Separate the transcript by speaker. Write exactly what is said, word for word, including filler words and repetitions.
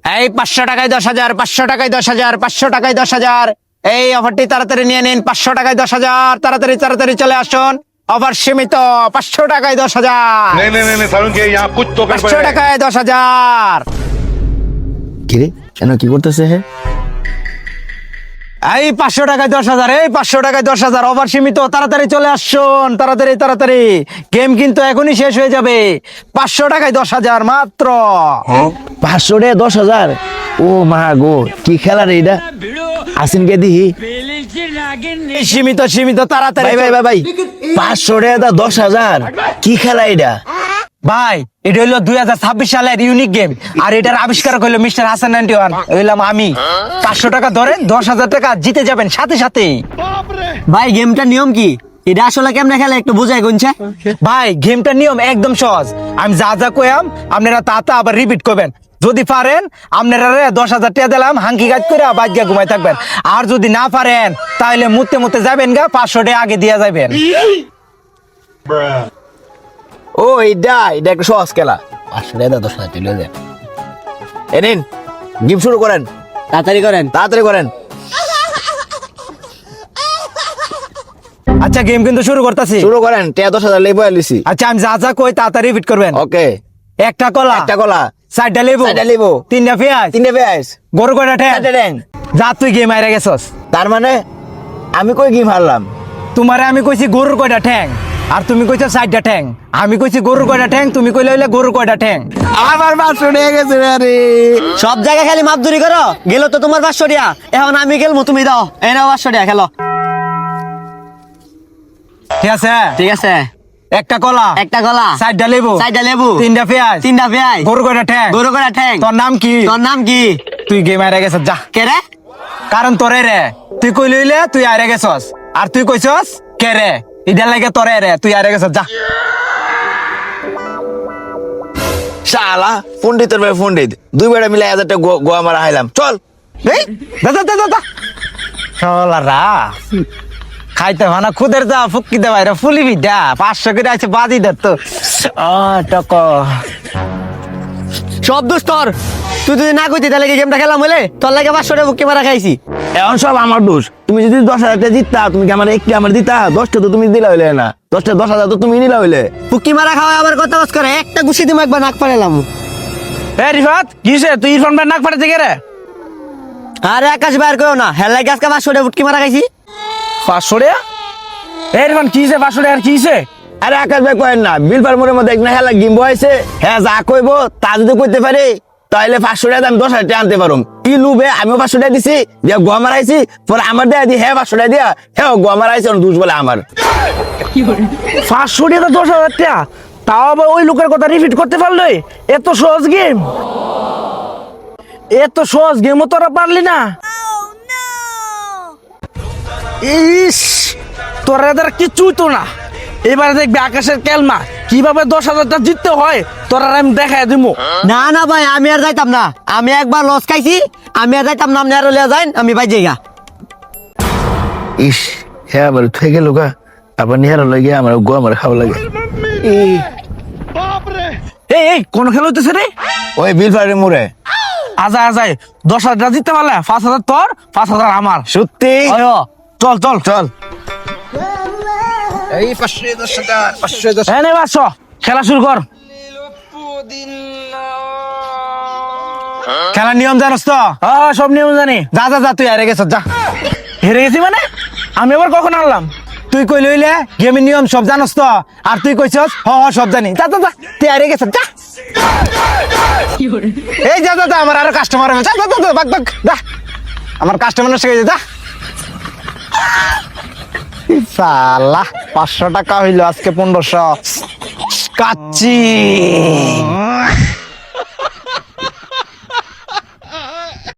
Speaker 1: এই পাঁচশো টাকায় দশ হাজার, পাঁচশো টাকায় দশ হাজার, পাঁচশো টাকায় দশ হাজার। এই অফারটি তাড়াতাড়ি নিয়ে নিন, পাঁচশো টাকায় দশ হাজার। তাড়াতাড়ি তাড়াতাড়ি চলে আসুন, অফার সীমিত, পাঁচশো টাকায় দশ হাজার।
Speaker 2: नहीं नहीं नहीं सारुण के यहाँ कुछ तो कर
Speaker 1: পাঁচশো টাকায় দশ হাজার।
Speaker 3: কিরে কেন কি করতেছে হে?
Speaker 1: এই পাঁচশো টাকায় দশ হাজার, এই পাঁচশো টাকায় দশ হাজার, অফার সীমিত, তাড়াতাড়ি চলে আসুন, তাড়াতাড়ি তাড়াতাড়ি। গেম কিন্তু এখনই শেষ হয়ে যাবে। পাঁচশো টাকায় দশ হাজার মাত্র।
Speaker 3: পাঁচশো টাকা দশ হাজার? ও মা গো, কি খেলা রে এটা? আসিনকে দিহি।
Speaker 1: এই সীমিত সীমিত, তাড়াতাড়ি।
Speaker 3: ভাই ভাই ভাই ভাই, পাঁচশো টাকা দশ হাজার, কি খেলা এটা?
Speaker 1: ভাই এটা হলো দুই হাজার ছাব্বিশ সালের ইউনিক গেম, আর এটার আবিষ্কারক হলো মিস্টার হাসান নাইনটি ওয়ান, হইলাম আমি। পাঁচশো টাকা ধরেন, দশ হাজার টাকা জিতে যাবেন সাথে সাথে।
Speaker 4: ভাই গেমটার নিয়ম কি? এটা আসলে কেমনে খেলে একটু বুঝাই গুনছে।
Speaker 1: ভাই গেমটার নিয়ম একদম সহজ। আমি যা যা কইয়াম আপনারা তা তা আবার রিপিট করবেন। যদি পারেন আপনারা দশ হাজার টাকা দিলাম, হাঙ্কি গাছ করে বাদ গিয়া ঘুমাই থাকবেন। আর যদি না পারেন তাহলে মুতে মুতে যাবেন গা, পাঁচশো টাকা আগে দিয়া যাবেন।
Speaker 3: ও এটা এটা একটা সহজ খেলা। পাঁচশো টাকা দশ হাজার চলে যায়। এ নিন, গেম শুরু করেন,
Speaker 4: তাড়াতাড়ি করেন।
Speaker 3: তাড়াতাড়ি করেন।
Speaker 1: আচ্ছা গেম কিন্তু শুরু করতেছি।
Speaker 3: শুরু করেন, টাকা দশ হাজার লেবু আলিছি।
Speaker 1: আচ্ছা আমি যা যা কই তাড়াতাড়ি রিপিট করবেন।
Speaker 3: ওকে।
Speaker 1: একটা কলা,
Speaker 3: একটা কলা,
Speaker 1: চারটা লেবু,
Speaker 3: চারটা লেবু,
Speaker 1: তিনটা পেঁয়াজ,
Speaker 3: তিনটে পেঁয়াজ,
Speaker 1: গরু কয়টা ঠ্যাং।
Speaker 3: চারটে ট্যাং।
Speaker 1: যা তুই গেম হারে গেছস।
Speaker 3: তার মানে আমি কই গেম হারলাম?
Speaker 1: তোমারে আমি কইছি গরুর কয়টা ঠ্যাং, আর তুমি কইছো চারটা ঠ্যাং। আমি কইছি গরুর কয়টা ঠ্যাং, তুমি কইলে হইলে গরুর কয়টা ঠ্যাং।
Speaker 3: আমার পাঁচশো টাকা গেছে রে। আরে
Speaker 4: সব জায়গায় খালি মাপদুরি করো। গেল তো তোমার পাঁচশো টাকা, এখন আমি খেলবো, তুমি দাও। এই নাও পাঁচশো টাকা, খেলো।
Speaker 1: ঠিক আছে,
Speaker 4: ঠিক আছে।
Speaker 1: একটা কলা,
Speaker 4: একটা কলা,
Speaker 1: চারটা লেবু,
Speaker 4: চারটা লেবু,
Speaker 1: তিনটা পেঁয়াজ,
Speaker 4: তিনটা পেঁয়াজ,
Speaker 1: গরু কয়টা ঠ্যাং।
Speaker 4: গরু কয়টা ঠ্যাং।
Speaker 1: তোর নাম কি?
Speaker 4: তোর নাম কি?
Speaker 1: তুই গেম হারে গেছস যা।
Speaker 4: কে রে?
Speaker 1: কারণ তোরে রে, তুই কইলে হইলে তুই হারে গেছস, আর তুই কইছস কে রে, ইডার লাগে তোরে রে, তুই হারে গেছস যা।
Speaker 3: শালা পন্ডিতের ভাই পন্ডিত, দুই বেড়া মিলে হাজার টাকা গো- গোয়া মারা হাইলাম। চল
Speaker 1: এই দা দা দা দা শালারা খাইতে ভানা খুদের যা ফুকি দে ভাইরা ফুলিবি দা। পাঁচশো করে আছে বাজি দে তো। আ টক
Speaker 4: সব দোষ তোর। তুই যদি না কইতি তাহলে কি গেমটা খেলাম হলে? তোর লাগে পাঁচশো টাকা বুকে মারা খাইছি।
Speaker 3: এখন সব আমার দোষ। তুমি যদি দশ হাজার টাকা জিততা, তুমি কি আমার একটি আমার দিতা? দশটা তো তুমি দিলা হইলে না, দশটা দশ হাজার তো তুমি নিলা হইলে।
Speaker 4: বুকি মারা খাওয়া আবার কথা বাস করে। একটা গুছি দিমু, একবার নাক পারেলাম।
Speaker 1: এ রিফাত কিসে তুই ইরফান ভাই নাক ফাটাতে কে রে?
Speaker 4: আরে আকাশ বাইর করো না, হেল লাগে আজকে পাঁচশো টাকা বুটকি মারা খাইছি।
Speaker 1: পাঁচশো টাকা? এ রিফান কিসে পাঁচশো টাকা কিসে?
Speaker 3: আরে আকাশ ভাই কয়েন না, বিলপার মোড়ের মধ্যে একটা হেলা গিম্ব হয়েছে। হ্যাঁ যা কইবো তা যদি কইতে পারে তাহলে পাঁচশো টাকা আমি দশ হাজার টাকা আনতে পারুম। কি লুবে আমিও পাঁচশো টাকা দিছি, দিয়ে গোয়া মারাইছি, পরে আমার দেয়া দি হ্যাঁ পাঁচশো টাকা দিয়া হ্যাঁ গোয়া মারাইছে, দুষ বলে আমার।
Speaker 5: পাঁচশো টাকা দশ হাজার টাকা, তাও আবার ওই লোকের কথা রিপিট করতে পারলে? এত সহজ গেম, এত সহজ গেমও তোরা পারলি না? ইস, তোরা এদের কিচ্ছুই তো না। এবারে দেখবি আকাশের কেলমা কিভাবে দশ হাজারটা জিততে হয়, তোরা আমি দেখাই দিব।
Speaker 4: না না ভাই, আমি আর যাইতাম না। আমি একবার লস খাইছি, আমি আর যাইতাম না। আপনি আর লিয়া যাইন, আমি ভাই যাইগা।
Speaker 3: ইস হ্যাঁ আবার থেকে গেল গা, আবার নিহারা লাগে আমার গোয়া মারা খাওয়া লাগে।
Speaker 5: এই এই কোন খেলা হইতেছে রে?
Speaker 3: ওই বিলপাড়ের মোড়ে।
Speaker 5: আজায় আজায় দশ হাজার জিততে পারলে পাঁচ হাজার তোর, পাঁচ হাজার আমার।
Speaker 3: সত্যি?
Speaker 5: অয়, চল চল
Speaker 3: চল।
Speaker 1: এই পাঁচশো দশ হাজার, পাঁচশো দশ।
Speaker 5: এই নে পাঁচশো, খেলা শুরু কর।
Speaker 1: খেলার নিয়ম জানোস তো?
Speaker 5: হ্যাঁ সব নিয়ম জানি।
Speaker 1: যা যা যা, তুই হারে গেছস যা।
Speaker 5: হেরে গেছি মানে? আমি আবার কখন আনলাম?
Speaker 1: তুই কইলে হইলে গেমের নিয়ম সব জানোস তো, আর তুই কইছস হ হ সব জানি। যা যা যা, তুই হারে গেছস যা। এই যা যা যা, আমার আরো কাস্টমার হবে। যা যা যা, বাক বাক যা, আমার কাস্টমার নষ্ট হয়ে যা। সালা পাঁচশো টাকা হইলো, আজকে পনেরোশো কাচ্চি।